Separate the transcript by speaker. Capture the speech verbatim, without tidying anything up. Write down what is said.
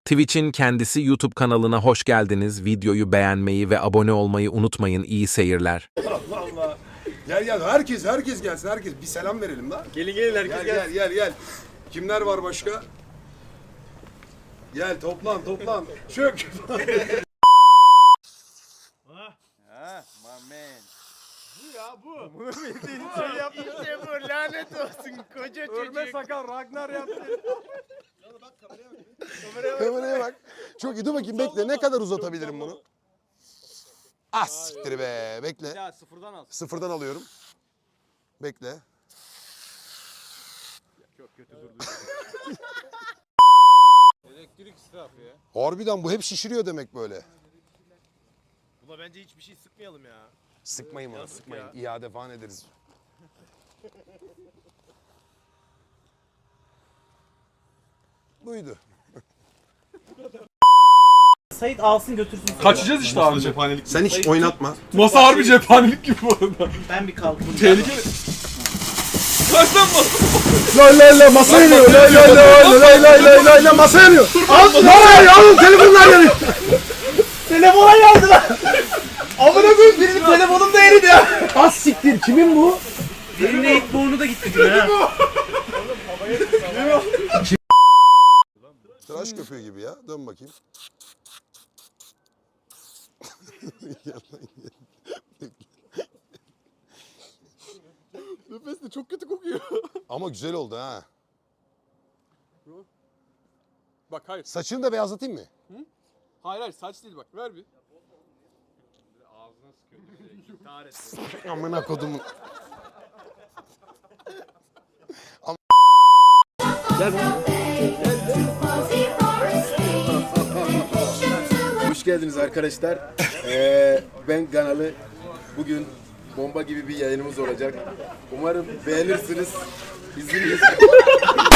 Speaker 1: Twitch'in kendisi YouTube kanalına hoş geldiniz. Videoyu beğenmeyi ve abone olmayı unutmayın. İyi seyirler.
Speaker 2: Allah Allah. Gel gel herkes herkes gelsin herkes. Bir selam verelim lan.
Speaker 3: Gelin gelin herkes
Speaker 2: Gel
Speaker 3: gelsin.
Speaker 2: gel gel gel. Kimler var başka? Gel toplan toplan. Çök.
Speaker 3: Ha, my man. Bu ya bu. Bunu bildiğin şey yaptı. İşte bu lanet olsun koca çocuk. Örme sakal Ragnar yaptı.
Speaker 2: Kameraya bak. Çok iyi, dur bakayım bekle. Ne kadar uzatabilirim bunu? Ah siktir be. Bekle.
Speaker 3: Ya sıfırdan al.
Speaker 2: Sıfırdan alıyorum. Bekle.
Speaker 3: Çok kötü durdu. Elektrik israfı ya.
Speaker 2: Harbiden bu hep şişiriyor demek böyle.
Speaker 3: Buna bence hiçbir şey sıkmayalım ya.
Speaker 2: Sıkmayın bana,
Speaker 3: Yazık
Speaker 2: sıkmayın.
Speaker 3: ya.
Speaker 2: İade falan ederiz. Buydu.
Speaker 4: Sait alsın götürsün.
Speaker 5: Kaçacağız işte abi. Cephanelik.
Speaker 2: Sen hiç oynatma.
Speaker 5: Masa harbi cephanelik gibi bu arada.
Speaker 4: Ben bir kalkayım.
Speaker 5: Tehlikeli. Kaç lan masa?
Speaker 2: Lay lay lay masa yanıyor. Lay lay lay lay lay lay lay lay masa yanıyor. Al lay alın telefonlar yanıyor.
Speaker 4: Telefona geldi lan. Amına koyayım birinin telefonum da eridi ya.
Speaker 2: Az siktir kimin bu?
Speaker 4: Birinin ilk boğunu da gitti gibi ha.
Speaker 2: Tıraş köpüğü gibi ya. Dön bakayım.
Speaker 5: Nefes de çok kötü kokuyor.
Speaker 2: Ama güzel oldu ha.
Speaker 5: Bak hayır.
Speaker 2: Saçını da beyazlatayım mı?
Speaker 5: Hayır hayır saç değil bak. Ver bir.
Speaker 3: Ağzına sıkıyor. İntihar etti.
Speaker 2: Amına kodumun.
Speaker 6: Hoş geldiniz arkadaşlar. Ee, ben Ganalı. Bugün bomba gibi bir yayınımız olacak. Umarım beğenirsiniz. İzleyiniz.